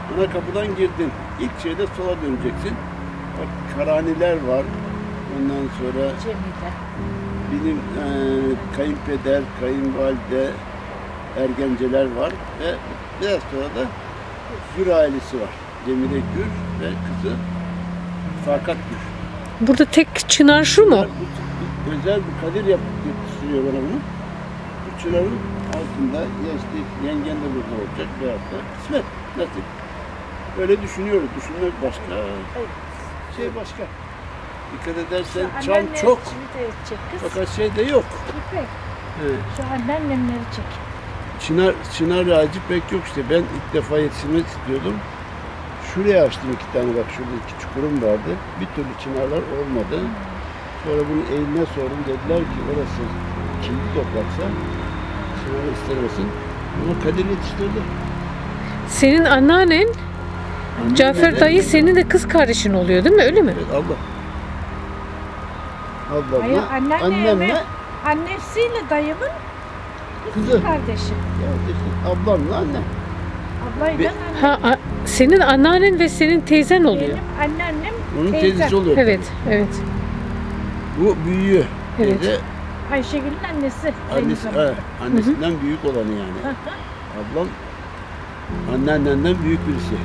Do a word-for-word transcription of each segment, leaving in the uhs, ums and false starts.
Ana kapıdan girdin. İlk şeyde sola döneceksin. Bak Karaniler var. Ondan sonra Cemile. benim e, kayınpeder, kayınvalide, ergenceler var ve biraz sonra da Gür ailesi var. Cemile Gür ve kızı Fakat Gür. Burada tek çınar şu mu? Bunlar, bu, bu, özel bir kadir yap, yetiştiriyor bana bunu. Bu çınarın altında ya işte yengen de burada olacak veyahut da kısmet, nasip. Öyle düşünüyoruz. Düşünmek başka, şey başka. Dikkat edersen Şu çam anneanne çok, şimdi çek kız. fakat şey de yok. İpek. Evet. Şu anneannemleri çek. Çınar, çınar ağacı pek yok işte. Ben ilk defa yetiştirmek istiyordum. Şuraya açtım iki tane, bak şurada iki çukurum vardı. Bir türlü çınarlar olmadı. Sonra bunu eline sordum, dediler ki orası kimli topraksa çınarı istemesin. Ama Kadir yetiştirdi. Senin anneannen Annem Cafer de- dayı senin de kız kardeşin oluyor değil mi? Öyle mi? Evet, abla. Hayır, Ablamla, anneanne annemle ve annesiyle dayımın kız kızı. kardeşi. Ya işte ablamla annem. Ablayla Be- annem. Ha, a- senin anneannen ve senin teyzen oluyor. Benim anneannem Onun teyzem. teyzesi oluyor. Evet, evet. Bu büyüğü. Evet. Teyze, Ayşegül'ün annesi. aynı annesi, zamanda. he, annesinden büyük olanı yani. Ablam anneannenden büyük birisi.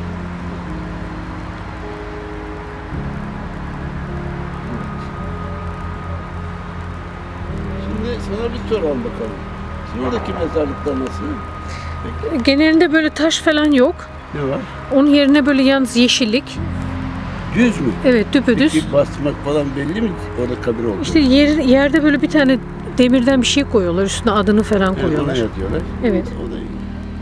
Şimdi sana bir soralım bakalım. Şimdi oradaki mezarlıklar nasıl? Genelinde böyle taş falan yok. Ne var? Onun yerine böyle yalnız yeşillik. Düz mü? Evet, düpedüz. Peki basmak falan belli mi orada kabir oldu? İşte yer, yerde böyle bir tane demirden bir şey koyuyorlar. Üstüne adını falan Evet, ona koyuyorlar. yazıyorlar. Evet. O da iyi.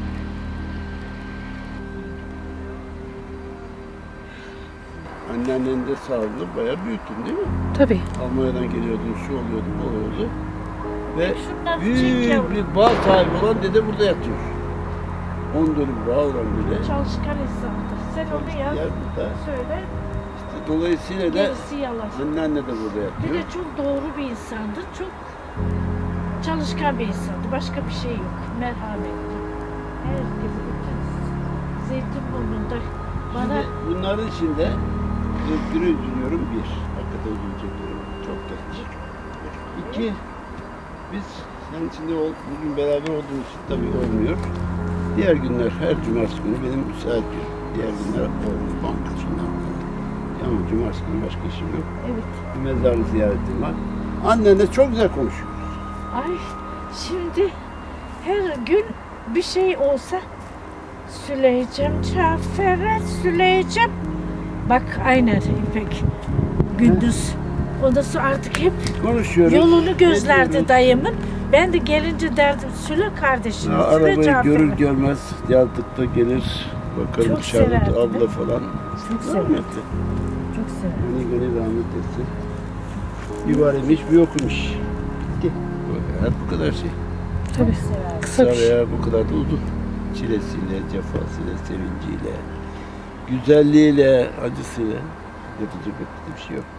Anneannen de sağlığı bayağı büyüttün değil mi? Tabii. Almanya'dan geliyordun, şu oluyordu, bu oluyordu. Ve Şundan çek büyük yavrum. bir bağ sahibi olan dede burada yatıyor. On dönüm bağ olan dede. Çalışkan insandır. Sen onu yaz. Yer burada. Söyle. İşte dolayısıyla da Gerisi yalan. anneanne de burada Bir yatıyor. de çok doğru bir insandı. Çok çalışkan bir insandı. Başka bir şey yok. Merhametli. Herkesi bütün Zeytinburnu'nda bana Şimdi bunların içinde Özgür'ü üzülüyorum bir. Hakikaten üzülecek durum. Çok genç. İki, biz senin içinde ol, bugün beraber olduğumuz için tabii olmuyor. Diğer günler, her cumartesi günü benim müsait gün. Diğer günler olmuyor. Banka şundan falan. Ama cumartesi günü başka işim yok. evet. Bir mezarı ziyaretim var. Annenle çok güzel konuşuyoruz. Ay şimdi her gün bir şey olsa Süleycem Cafer'e Süleycem. Bak aynen İpek. Gündüz. Ondan sonra artık hep Konuşuyoruz. yolunu gözlerdi ediyoruz. dayımın. Ben de gelince derdim Süle kardeşim. Ya, Süle arabayı Cafer'e. görür görmez yazdıkta gelir. Bakarım Çok Şahmet severdi, abla değil mi? falan. Çok severdi. Rahmetli. Çok severim. Gönül gönül rahmet etsin. Bir var imiş, bir yokmuş. Bitti. Hayat bu kadar şey. Tabii. Severdim. Kısa bir şey. Veya bu kadar da uzun. Çilesiyle, cefasıyla, sevinciyle, güzelliğiyle, acısıyla yapacak bir şey yok.